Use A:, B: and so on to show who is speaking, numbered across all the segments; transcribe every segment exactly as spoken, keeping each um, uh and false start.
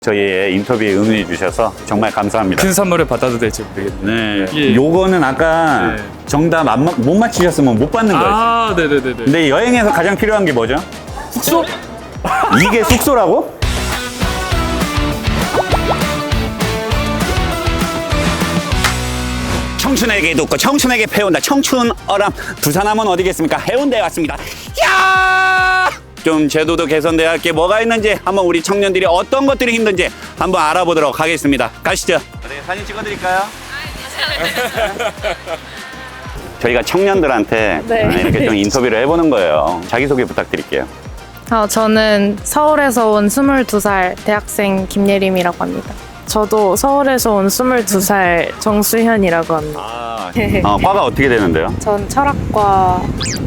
A: 저희의 인터뷰에 응해 주셔서 정말 감사합니다.
B: 큰 선물을 받아도 될지 모르겠네요.
A: 네.
B: 예.
A: 요거는 아까
B: 네.
A: 정답 안, 마- 못 맞히셨으면 못 받는 거였어요.
B: 아, 네네네네.
A: 근데 여행에서 가장 필요한 게 뭐죠?
B: 숙소?
A: 이게 숙소라고? 청춘에게 돕고 청춘에게 배운다. 청춘 어람. 부산하면 어디겠습니까? 해운대에 왔습니다. 야! 좀 제도도 개선돼야 할 게 뭐가 있는지 한번 우리 청년들이 어떤 것들이 힘든지 한번 알아보도록 하겠습니다. 가시죠. 네, 사진 찍어드릴까요? 저희가 청년들한테
C: 네.
A: 이렇게 좀 인터뷰를 해보는 거예요. 자기소개 부탁드릴게요.
C: 어, 저는 서울에서 온 스물두 살 대학생 김예림이라고 합니다. 저도 서울에서 온 스물두 살 정수현이라고 합니다.
A: 아, 어, 과가 어떻게 되는데요?
C: 전 철학과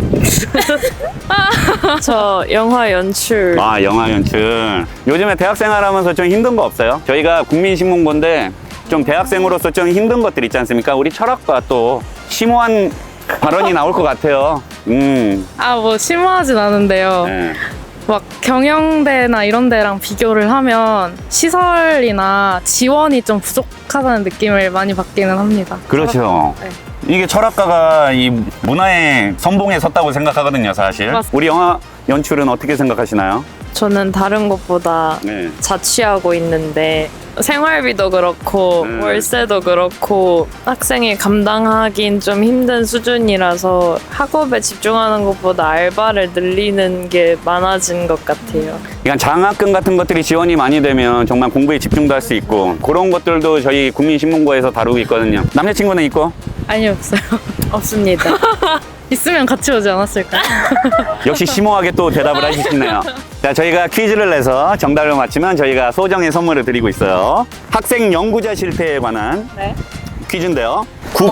C: 저 영화 연출
A: 아, 영화 연출. 요즘에 대학생활 하면서 좀 힘든 거 없어요? 저희가 국민신문고인데 좀 대학생으로서 좀 힘든 것들 있지 않습니까? 우리 철학과 또 심오한 발언이 나올 것 같아요. 음.
C: 아, 뭐 심오하진 않은데요.
A: 네.
C: 막 경영대나 이런 데랑 비교를 하면 시설이나 지원이 좀 부족하다는 느낌을 많이 받기는 합니다.
A: 그렇죠.
C: 네.
A: 이게 철학가가 이 문화의 선봉에 섰다고 생각하거든요, 사실.
C: 맞습니다.
A: 우리 영화 연출은 어떻게 생각하시나요?
D: 저는 다른 것보다
A: 네.
D: 자취하고 있는데 생활비도 그렇고
A: 음.
D: 월세도 그렇고 학생이 감당하긴 좀 힘든 수준이라서 학업에 집중하는 것보다 알바를 늘리는 게 많아진 것 같아요.
A: 그러니까 장학금 같은 것들이 지원이 많이 되면 정말 공부에 집중도 할 수 있고 그런 것들도 저희 국민신문고에서 다루고 있거든요. 남자친구는 있고?
C: 아니, 없어요.
D: 없습니다.
C: 있으면 같이 오지 않았을까요?
A: 역시 심오하게 또 대답을 해주시네요. 자, 저희가 퀴즈를 내서 정답을 맞히면 저희가 소정의 선물을 드리고 있어요. 학생 연구자 실태에 관한
C: 네.
A: 퀴즈인데요.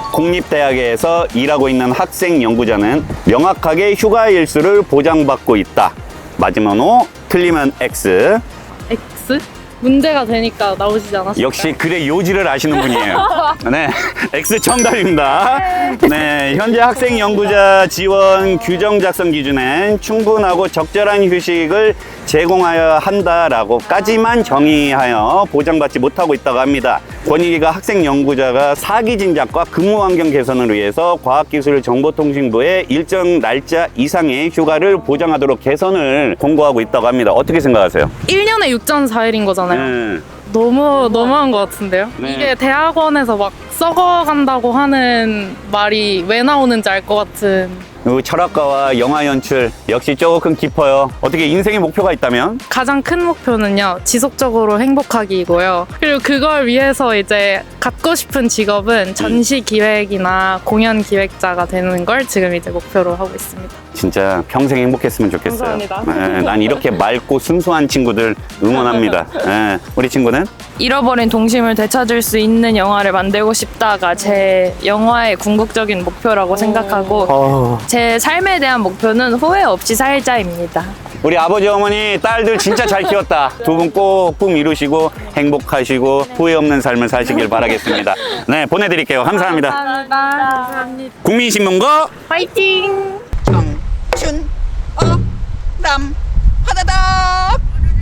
A: 국공립대학에서 일하고 있는 학생 연구자는 명확하게 휴가 일수를 보장받고 있다. 맞으면 O, 틀리면 X.
C: X? 문제가 되니까 나오시지 않았을까요?
A: 역시 글의 요지를 아시는 분이에요. 네, X 정답입니다. 네, 현재 학생 연구자 지원 규정 작성 기준엔 충분하고 적절한 휴식을 제공하여야 한다라고까지만 정의하여 보장받지 못하고 있다고 합니다. 권익위가 학생 연구자가 사기 진작과 근무 환경 개선을 위해서 과학기술정보통신부에 일정 날짜 이상의 휴가를 보장하도록 개선을 공고하고 있다고 합니다. 어떻게 생각하세요?
C: 일 년에 육 점 사 일인 거잖아요.
A: 네.
C: 너무 너무한 것 같은데요?
A: 네.
C: 이게 대학원에서 막 썩어간다고 하는 말이 왜 나오는지 알 것 같은.
A: 그리고 철학가와 영화 연출 역시 조금 깊어요. 어떻게 인생의 목표가 있다면?
C: 가장 큰 목표는요, 지속적으로 행복하기이고요. 그리고 그걸 위해서 이제 갖고 싶은 직업은 전시 기획이나 공연 기획자가 되는 걸 지금 이제 목표로 하고 있습니다.
A: 진짜 평생 행복했으면 좋겠어요.
C: 감사합니다.
A: 네, 난 이렇게 맑고 순수한 친구들 응원합니다. 네, 우리 친구는?
D: 잃어버린 동심을 되찾을 수 있는 영화를 만들고 싶다가 제 영화의 궁극적인 목표라고 생각하고
A: 어...
D: 제 삶에 대한 목표는 후회 없이 살자입니다.
A: 우리 아버지 어머니 딸들 진짜 잘 키웠다. 두 분 꼭 꿈 이루시고 행복하시고 후회 없는 삶을 사시길 바라겠습니다. 네, 보내드릴게요. 감사합니다.
C: 감사합니다.
A: 국민신문고
C: 화이팅!
E: 청춘 어람 화다닥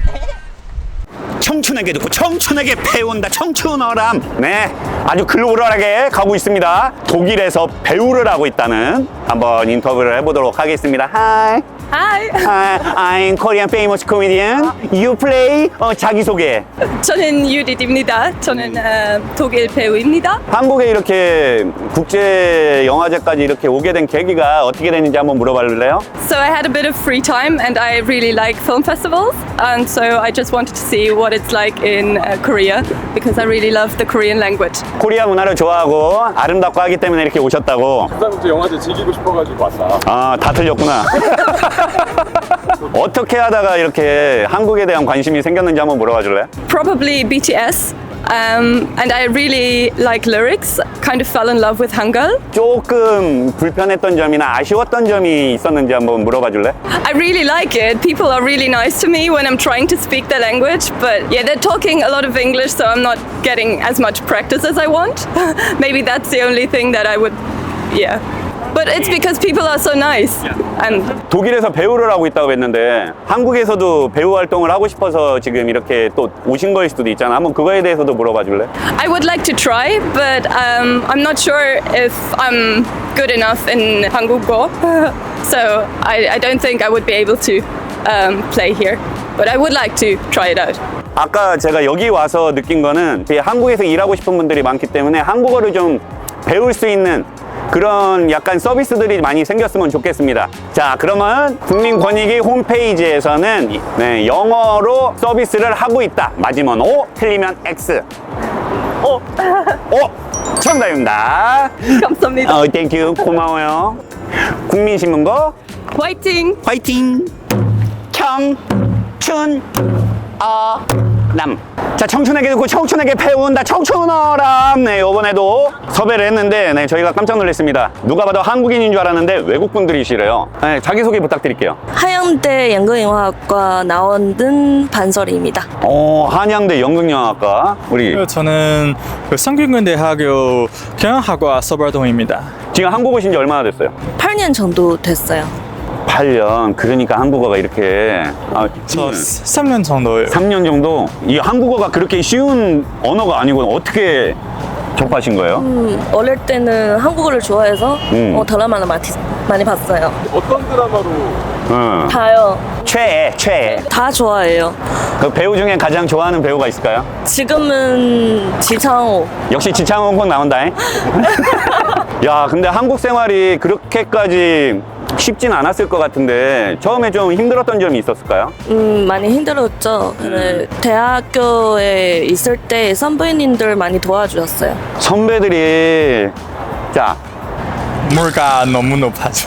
A: 청춘에게 듣고 청춘에게 배운다. 청춘어람. 네, 아주 글로벌하게 가고 있습니다. 독일에서 배우를 하고 있다는 한번 인터뷰를 해보도록 하겠습니다. Hi.
F: Hi,
A: Hi, I'm Korean famous comedian. You play? 어, 자기소개.
F: 저는 유리입니다. 저는 어, 독일 배우입니다.
A: 한국에 이렇게 국제 영화제까지 이렇게 오게 된 계기가 어떻게 됐는지 한번 물어볼래요?
F: So I had a bit of free time and I really like film festivals, and so I just wanted to see what it's like in uh, Korea because I really love the Korean language.
A: 코리아 문화를 좋아하고 아름답고 하기 때문에 이렇게 오셨다고.
G: 부산국제 영화제 즐기고 싶어가지고 왔다.
A: 아, 다 틀렸구나. 어떻게 하다가 이렇게 한국에 대한 관심이 생겼는지 한번 물어봐 줄래?
F: Probably B T S. Um, and I really like lyrics, kind of fell in love with Hangul.
A: 조금 불편했던 점이나 아쉬웠던 점이 있었는지 한번 물어봐 줄래?
F: I really like it. People are really nice to me when I'm trying to speak their language, but yeah, they're talking a lot of English, so I'm not getting as much practice as I want. Maybe that's the only thing that I would, yeah. but it's because people are so nice. And
A: 독일에서 배우를 하고 있다고 했는데 한국에서도 배우 활동을 하고 싶어서 지금 이렇게 또 오신 거일 수도 있잖아. 한번 그거에 대해서도 물어봐 줄래?
F: I would like to try, but um, I'm not sure if I'm good enough in 한국어. So I, I don't think I would be able to um, play here. But I would like to try it out.
A: 아까 제가 여기 와서 느낀 거는 되게 한국에서 일하고 싶은 분들이 많기 때문에 한국어를 좀 배울 수 있는 그런 약간 서비스들이 많이 생겼으면 좋겠습니다. 자, 그러면 국민권익위 홈페이지에서는 네, 영어로 서비스를 하고 있다. 맞으면 O, 틀리면 X. O, O, 정답입니다.
F: 감사합니다.
A: 어, 땡큐, 고마워요. 국민신문고
F: 화이팅!
A: 화이팅! 청춘 어람. 자, 청춘에게 듣고 청춘에게 배운다. 청춘어람. 네, 이번에도 섭외를 했는데 네, 저희가 깜짝 놀랐습니다. 누가 봐도 한국인인 줄 알았는데 외국 분들이시래요. 네, 자기소개 부탁드릴게요.
H: 하영대 연극영화학과 나온 반설이입니다.
A: 어, 한양대 연극영화과 우리
I: 저는 그 성균관대학교 경영학과 서발동입니다.
A: 지금 한국 오신 지 얼마나 됐어요?
H: 팔 년 정도 됐어요.
A: 팔 년. 그러니까 한국어가 이렇게 아,
I: 저 삼 년 정도예요.
A: 삼 년 정도. 이 한국어가 그렇게 쉬운 언어가 아니고 어떻게 접하신 거예요?
H: 음, 어릴 때는 한국어를 좋아해서
A: 음.
H: 어, 드라마를 많이, 많이 봤어요.
G: 어떤 드라마로
A: 응.
H: 다요.
A: 최애, 최애.
H: 다 좋아해요.
A: 그 배우 중에 가장 좋아하는 배우가 있을까요?
H: 지금은 지창호.
A: 역시 지창호 꼭 나온다잉. 야, 근데 한국 생활이 그렇게까지 쉽진 않았을 것 같은데 처음에 좀 힘들었던 점이 있었을까요?
H: 음, 많이 힘들었죠. 근데 대학교에 있을 때 선배님들 많이 도와주셨어요.
A: 선배들이 자
I: 물가 너무 높아져.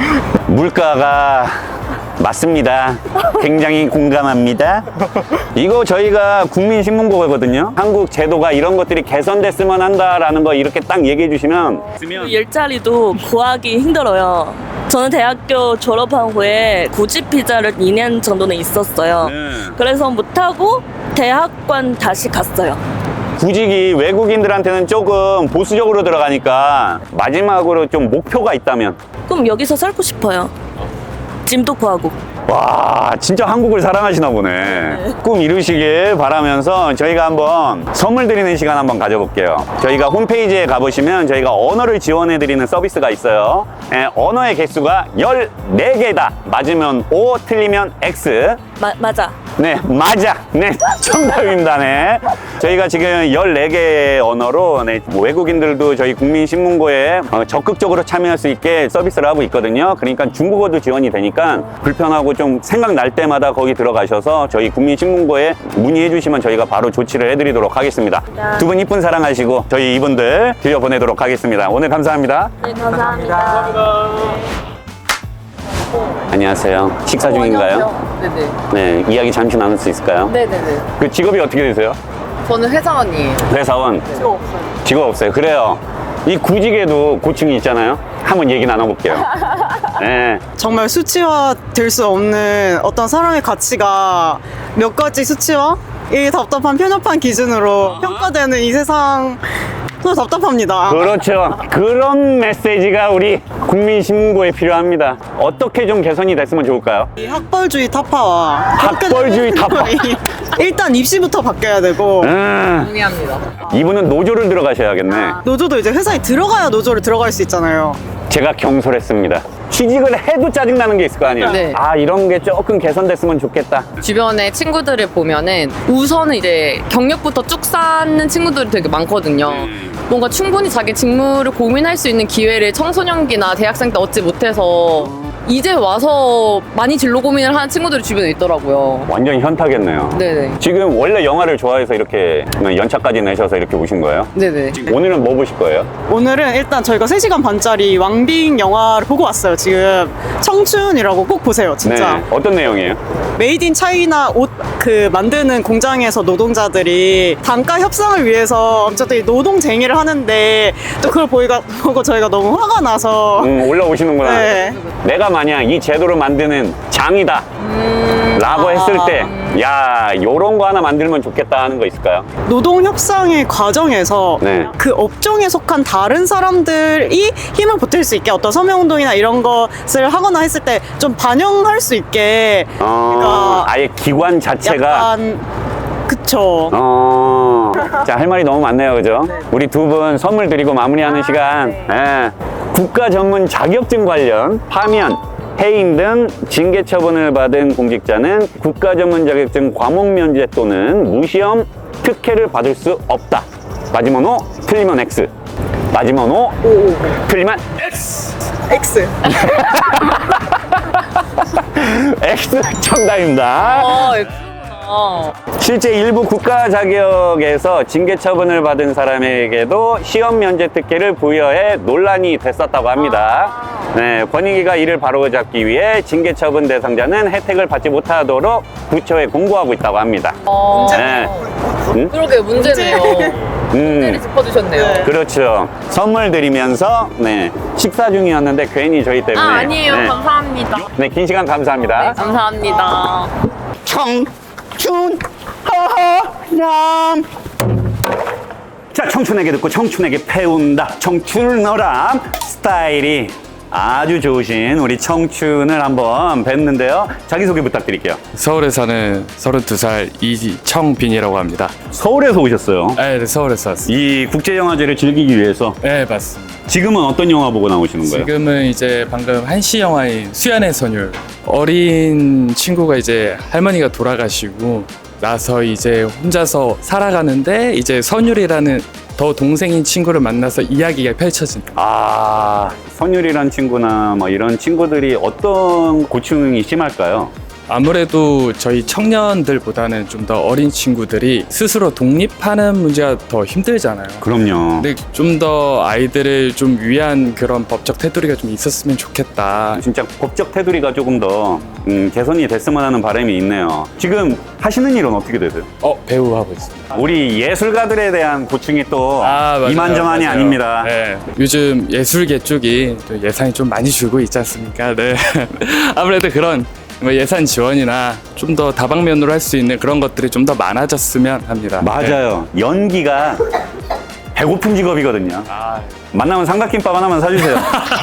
A: 물가가 맞습니다. 굉장히 공감합니다. 이거 저희가 국민신문고거든요. 한국 제도가 이런 것들이 개선됐으면 한다라는 거 이렇게 딱 얘기해 주시면
H: 그 일자리도 구하기 힘들어요. 저는 대학교 졸업한 후에 구직 비자를 이 년 정도는 있었어요.
A: 네.
H: 그래서 못하고 대학관 다시 갔어요.
A: 구직이 외국인들한테는 조금 보수적으로 들어가니까 마지막으로 좀 목표가 있다면
H: 그럼 여기서 살고 싶어요. 짐도 구하고.
A: 와, 진짜 한국을 사랑하시나 보네. 꿈 이루시길 바라면서 저희가 한번 선물 드리는 시간 한번 가져볼게요. 저희가 홈페이지에 가보시면 저희가 언어를 지원해 드리는 서비스가 있어요. 예, 언어의 개수가 열네 개다. 맞으면 O, 틀리면 X.
H: 마, 맞아.
A: 네, 맞아. 네, 정답입니다. 네. 저희가 지금 열네 개의 언어로 네, 외국인들도 저희 국민신문고에 어, 적극적으로 참여할 수 있게 서비스를 하고 있거든요. 그러니까 중국어도 지원이 되니까 불편하고 좀 생각날 때마다 거기 들어가셔서 저희 국민신문고에 문의해 주시면 저희가 바로 조치를 해드리도록 하겠습니다. 두 분 이쁜 사랑하시고 저희 이분들 들려보내도록 하겠습니다. 오늘 감사합니다.
H: 네, 감사합니다.
A: 안녕하세요. 식사 중인가요?
J: 네네.
A: 네, 이야기 잠시 나눌 수 있을까요?
J: 네네네.
A: 그 직업이 어떻게 되세요?
J: 저는 회사원이에요.
A: 회사원.
J: 직업 없어요.
A: 직업 없어요. 그래요. 이 구직에도 고충이 있잖아요. 한번 얘기 나눠볼게요. 네.
K: 정말 수치화 될 수 없는 어떤 사람의 가치가 몇 가지 수치화? 이 답답한 편협한 기준으로 평가되는 이 세상 정말 답답합니다.
A: 그렇죠. 그런 메시지가 우리 국민신문고에 필요합니다. 어떻게 좀 개선이 됐으면 좋을까요?
K: 이 학벌주의 타파와
A: 학벌주의 타파.
K: 일단 입시부터 바뀌어야 되고
A: 음,
J: 동의합니다.
A: 이분은 노조를 들어가셔야겠네.
K: 노조도 이제 회사에 들어가야 노조를 들어갈 수 있잖아요.
A: 제가 경솔했습니다. 취직을 해도 짜증나는 게 있을 거 아니에요?
J: 네.
A: 아, 이런 게 조금 개선됐으면 좋겠다.
J: 주변에 친구들을 보면은 우선은 이제 경력부터 쭉 쌓는 친구들이 되게 많거든요. 뭔가 충분히 자기 직무를 고민할 수 있는 기회를 청소년기나 대학생 때 얻지 못해서 이제 와서 많이 진로 고민을 하는 친구들이 주변에 있더라고요.
A: 완전 현타겠네요.
J: 네네.
A: 지금 원래 영화를 좋아해서 이렇게 연차까지 내셔서 이렇게 오신 거예요?
J: 네네.
A: 오늘은 뭐 보실 거예요?
K: 오늘은 일단 저희가 세 시간 반짜리 왕빙 영화를 보고 왔어요. 지금 청춘이라고 꼭 보세요. 진짜.
A: 네. 어떤 내용이에요?
K: 메이드 인 차이나 옷 그 만드는 공장에서 노동자들이 단가 협상을 위해서 어쨌든 노동쟁이를 하는데 또 그걸 보이가, 보고 저희가 너무 화가 나서
A: 음, 올라오시는구나.
K: 네.
A: 내가 만약 이 제도를 만드는 장이다 라고 했을 때, 야, 요런 거 하나 만들면 좋겠다 하는 거 있을까요?
K: 노동 협상의 과정에서
A: 네.
K: 그 업종에 속한 다른 사람들이 힘을 보탤 수 있게 어떤 서명운동이나 이런 것을 하거나 했을 때 좀 반영할 수 있게
A: 어,
K: 그러니까
A: 아예 기관 자체가.
K: 약간 그쵸.
A: 어, 자, 할 말이 너무 많네요. 그죠? 우리 두 분 선물 드리고 마무리하는 시간. 예. 국가 전문 자격증 관련 파면, 해임 등 징계 처분을 받은 공직자는 국가 전문 자격증 과목 면제 또는 무시험 특혜를 받을 수 없다. 맞으면 O, 틀리면 X. 맞으면 O, 틀리면
K: X.
A: X 정답입니다.
J: 어, 예쁘구나.
A: 실제 일부 국가 자격에서 징계 처분을 받은 사람에게도 시험 면제 특혜를 부여해 논란이 됐었다고 합니다. 네, 권익위가 이를 바로잡기 위해 징계 처분 대상자는 혜택을 받지 못하도록 부처에 공고하고 있다고 합니다.
J: 어,
A: 네. 음?
J: 그러게 문제네요. 문제를
A: 음,
J: 짚어주셨네요.
A: 그렇죠. 선물 드리면서 네, 식사 중이었는데 괜히 저희 때문에.
J: 아, 아니에요.
A: 네,
J: 감사합니다.
A: 네, 긴 시간 감사합니다.
J: 감사합니다.
A: 청춘 허허람. 자, 청춘에게 듣고 청춘에게 배운다. 청춘어람 스타일이 아주 좋으신 우리 청춘을 한번 뵀는데요. 자기소개 부탁드릴게요.
B: 서울에 사는 서른두 살 이청빈이라고 합니다.
A: 서울에서 오셨어요.
B: 네, 네, 서울에서 왔습니다.
A: 이 국제영화제를 즐기기 위해서.
B: 네, 맞습니다.
A: 지금은 어떤 영화 보고 나오시는 거예요?
B: 지금은 이제 방금 한시 영화인 수연의 선율. 어린 친구가 이제 할머니가 돌아가시고 나서 이제 혼자서 살아가는데 이제 선율이라는 더 동생인 친구를 만나서 이야기가 펼쳐진다.
A: 아, 선율이란 친구나 뭐 이런 친구들이 어떤 고충이 심할까요?
B: 아무래도 저희 청년들보다는 좀 더 어린 친구들이 스스로 독립하는 문제가 더 힘들잖아요.
A: 그럼요.
B: 근데 좀 더 아이들을 좀 위한 그런 법적 테두리가 좀 있었으면 좋겠다.
A: 진짜 법적 테두리가 조금 더 음, 개선이 됐으면 하는 바람이 있네요. 지금 하시는 일은 어떻게 되세요?
B: 어, 배우 하고 있습니다.
A: 우리 예술가들에 대한 고충이 또
B: 아, 맞아요,
A: 이만저만이
B: 맞아요.
A: 아닙니다.
B: 네. 요즘 예술계 쪽이 또 예산이 좀 많이 줄고 있지 않습니까? 네. 아무래도 그런 뭐 예산 지원이나 좀 더 다방면으로 할 수 있는 그런 것들이 좀 더 많아졌으면 합니다.
A: 맞아요. 연기가 배고픈 직업이거든요.
B: 아,
A: 만나면 삼각김밥 하나만 사주세요.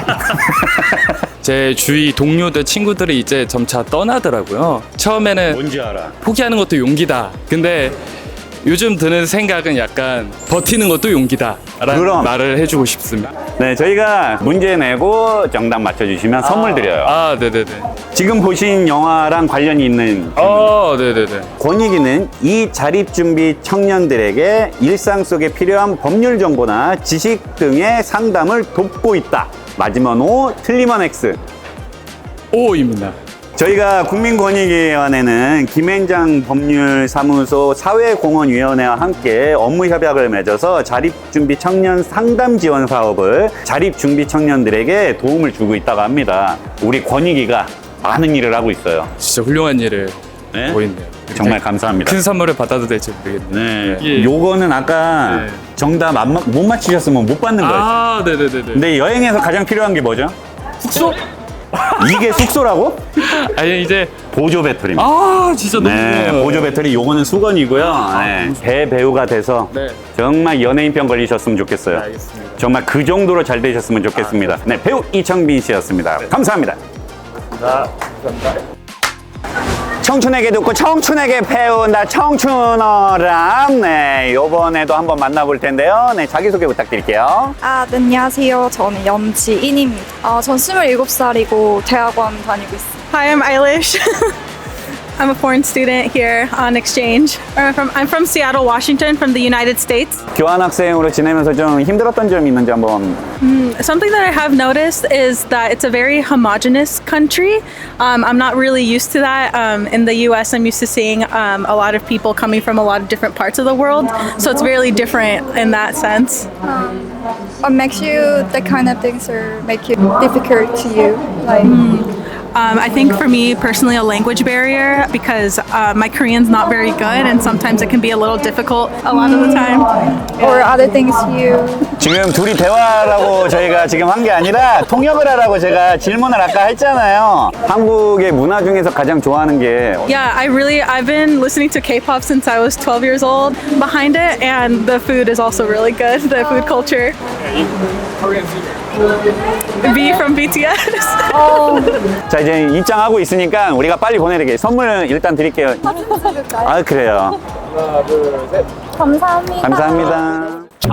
B: 제 주위 동료들 친구들이 이제 점차 떠나더라고요. 처음에는
A: 뭔지 알아.
B: 포기하는 것도 용기다. 근데 요즘 드는 생각은 약간 버티는 것도 용기다 라는
A: 그럼.
B: 말을 해주고 싶습니다.
A: 네, 저희가 문제 내고 정답 맞춰주시면 선물 드려요.
B: 아, 네네네.
A: 지금 보신 영화랑 관련이 있는
B: 어, 네네네.
A: 권익위는 이 자립준비 청년들에게 일상 속에 필요한 법률 정보나 지식 등의 상담을 돕고 있다. 맞으면 O, 틀리면 X.
B: O입니다.
A: 저희가 국민권익위원회는 김앤장 법률사무소 사회공헌위원회와 함께 업무 협약을 맺어서 자립준비 청년 상담 지원 사업을 자립준비 청년들에게 도움을 주고 있다고 합니다. 우리 권익위가 많은 일을 하고 있어요.
B: 진짜 훌륭한 일을
A: 네?
B: 보이네요.
A: 정말 감사합니다.
B: 큰 선물을 받아도 될지 모르겠네요.
A: 네,
B: 예.
A: 요거는 아까
B: 네.
A: 정답 안, 마- 못 맞히셨으면 못 받는 거였어요.
B: 아, 네네네네.
A: 근데 여행에서 가장 필요한 게 뭐죠?
B: 숙소?
A: 이게 숙소라고?
B: 아니, 이제.
A: 보조 배터리입니다.
B: 아, 진짜 너무.
A: 네,
B: 좋아요.
A: 보조 배터리 요거는 수건이고요. 네, 대배우가 돼서
B: 네.
A: 정말 연예인병 걸리셨으면 좋겠어요.
B: 알겠습니다.
A: 정말 그 정도로 잘 되셨으면 좋겠습니다. 네, 배우 이청빈 씨였습니다. 감사합니다. 청춘에게 듣고 청춘에게 배운다 청춘어람. 네, 요번에도 한번 만나볼 텐데요. 네, 자기소개 부탁드릴게요.
L: 아, 네, 안녕하세요. 저는 염지인입니다. 아, 전 스물일곱 살이고 대학원 다니고 있습니다.
M: Hi, I'm Eilish. I'm a foreign student here on exchange. I'm from, I'm from Seattle, Washington, from the United States.
A: 교환학생으로 지내면서 좀 힘들었던 점이 있는지 한번.
M: Mm, something that I have noticed is that it's a very homogenous country. Um, I'm not really used to that. Um, in the U S, I'm used to seeing um, a lot of people coming from a lot of different parts of the world. So it's really different in that sense.
L: What makes you the kind of things or make it difficult to you? Like,
M: Um, I think for me personally, a language barrier because uh, my Korean's not very good, and sometimes it can be a little difficult a lot of the time.
L: or other things you
A: 지금 둘이 대화라고 저희가 지금 한 게 아니라 통역을 하라고 제가 질문을 아까 했잖아요. 한국의 문화 중에서 가장 좋아하는 게
M: Yeah, I really, I've been listening to K-pop since I was twelve years old behind it, and the food is also really good, the food culture. B from B T S.
A: 자, 이제 입장하고 있으니까 우리가 빨리 보내드릴게요. 선물 일단 드릴게요. 아, 그래요.
G: 하나, 둘, 셋.
L: 감사합니다.
A: 감사합니다.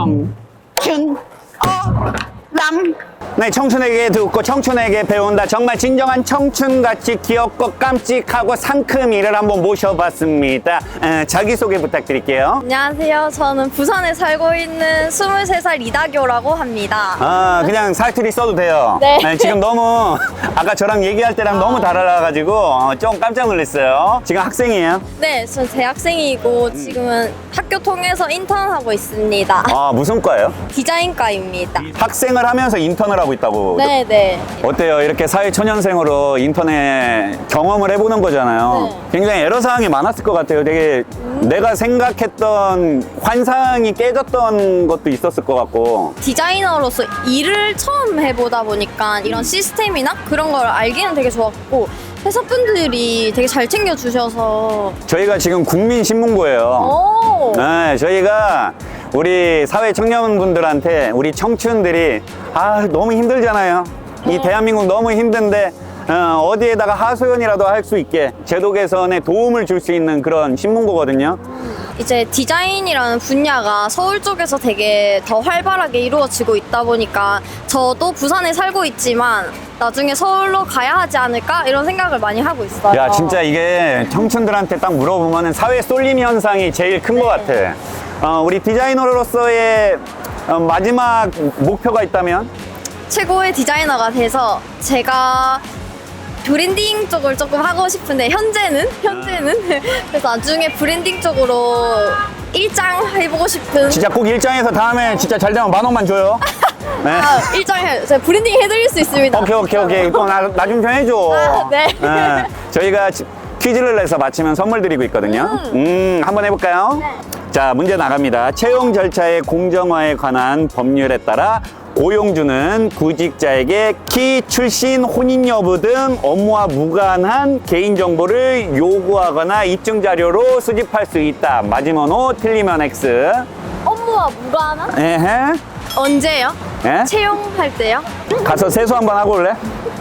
E: 춘, 어, 남.
A: 네, 청춘에게 듣고 청춘에게 배운다. 정말 진정한 청춘같이 귀엽고 깜찍하고 상큼 이를 한번 모셔봤습니다. 에, 자기소개 부탁드릴게요.
L: 안녕하세요. 저는 부산에 살고 있는 스물세 살 이다교라고 합니다.
A: 아, 그냥 사투리 써도 돼요.
L: 네.
A: 지금 너무 아까 저랑 얘기할 때랑 너무 달라가지고 어, 좀 깜짝 놀랐어요. 지금 학생이에요?
L: 네, 저 대학생이고 지금은 학교 통해서 인턴하고 있습니다.
A: 아, 무슨 과예요?
L: 디자인과입니다.
A: 학생을 하면서 인턴을 하고 있다고.
L: 네, 네.
A: 어때요? 이렇게 사회초년생으로 인터넷 경험을 해보는 거잖아요.
L: 네.
A: 굉장히 애로사항이 많았을 것 같아요. 되게
L: 음.
A: 내가 생각했던 환상이 깨졌던 것도 있었을 것 같고.
L: 디자이너로서 일을 처음 해보다 보니까 이런 시스템이나 그런 걸 알기는 되게 좋았고 회사분들이 되게 잘 챙겨주셔서
A: 저희가 지금 국민신문고예요.
L: 오.
A: 네, 저희가 우리 사회 청년분들한테 우리 청춘들이 아 너무 힘들잖아요. 이 대한민국 너무 힘든데 어, 어디에다가 하소연이라도 할 수 있게 제도 개선에 도움을 줄 수 있는 그런 신문고거든요.
L: 이제 디자인이라는 분야가 서울 쪽에서 되게 더 활발하게 이루어지고 있다 보니까 저도 부산에 살고 있지만 나중에 서울로 가야 하지 않을까 이런 생각을 많이 하고 있어요.
A: 야 진짜 이게 청춘들한테 딱 물어보면 사회 쏠림 현상이 제일 큰 것 같아. 어, 우리 디자이너로서의 어, 마지막 목표가 있다면?
L: 최고의 디자이너가 돼서 제가 브랜딩 쪽을 조금 하고 싶은데 현재는 현재는 그래서 나중에 브랜딩 쪽으로 일장 해보고 싶은.
A: 진짜 꼭 일장에서 다음에 진짜 잘 되면 만 원만 줘요. 네.
L: 아, 일장 해 제가 브랜딩 해드릴 수 있습니다.
A: 오케이 오케이 오케이 또 나 좀 좀 해줘.
L: 아, 네.
A: 네. 저희가 지- 퀴즈를 내서 맞히면 선물 드리고 있거든요. 음, 한번 해볼까요?
L: 네.
A: 자, 문제 나갑니다. 채용 절차의 공정화에 관한 법률에 따라 고용주는 구직자에게 키, 출신, 혼인 여부 등 업무와 무관한 개인정보를 요구하거나 입증 자료로 수집할 수 있다. 맞으면 O, 틀리면 X.
L: 업무와 무관한?
A: 에헤.
L: 언제요?
A: 예?
L: 채용할 때요?
A: 가서 세수 한번 하고 올래?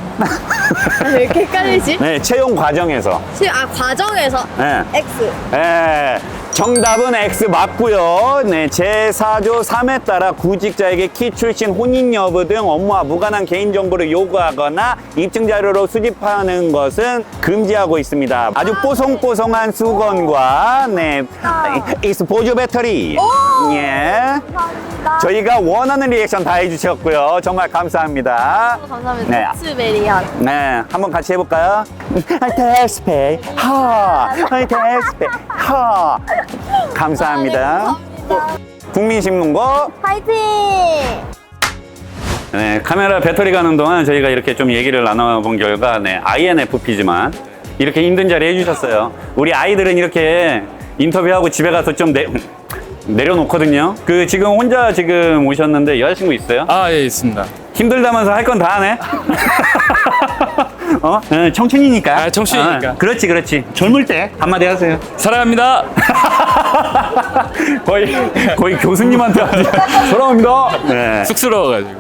L: 아, 왜 이렇게 헷갈리지?
A: 네, 채용 과정에서.
L: 채- 아 과정에서
A: 네.
L: X.
A: 예, 정답은 X 맞고요. 네, 제사조 삼에 따라 구직자에게 키, 출신, 혼인 여부 등 업무와 무관한 개인정보를 요구하거나 입증 자료로 수집하는 것은 금지하고 있습니다. 아주 뽀송뽀송한 수건과 네, 익스 보조 배터리. 예. 저희가 원하는 리액션 다 해주셨고요. 정말 감사합니다.
L: 감사합니다.
A: 네.
L: 스베리한.
A: 네, 한번 같이 해볼까요? 데스페이 하, 데스페이 하. 감사합니다. 국민신문고
L: 파이팅!
A: 네, 카메라 배터리 가는 동안 저희가 이렇게 좀 얘기를 나눠본 결과 네, 아이엔에프피지만 이렇게 힘든 자리 해주셨어요. 우리 아이들은 이렇게 인터뷰하고 집에 가서 좀 내, 내려놓거든요. 그 지금 혼자 지금 오셨는데 여자친구 있어요?
B: 아, 예, 있습니다.
A: 힘들다면서 할 건 다 하네? 어? 네, 청춘이니까.
B: 아, 청춘이니까.
A: 어, 그렇지, 그렇지. 젊을 때 한마디 하세요.
B: 사랑합니다.
A: 거의, 거의 교수님한테 하지. 사랑합니다. 네.
B: 쑥스러워가지고.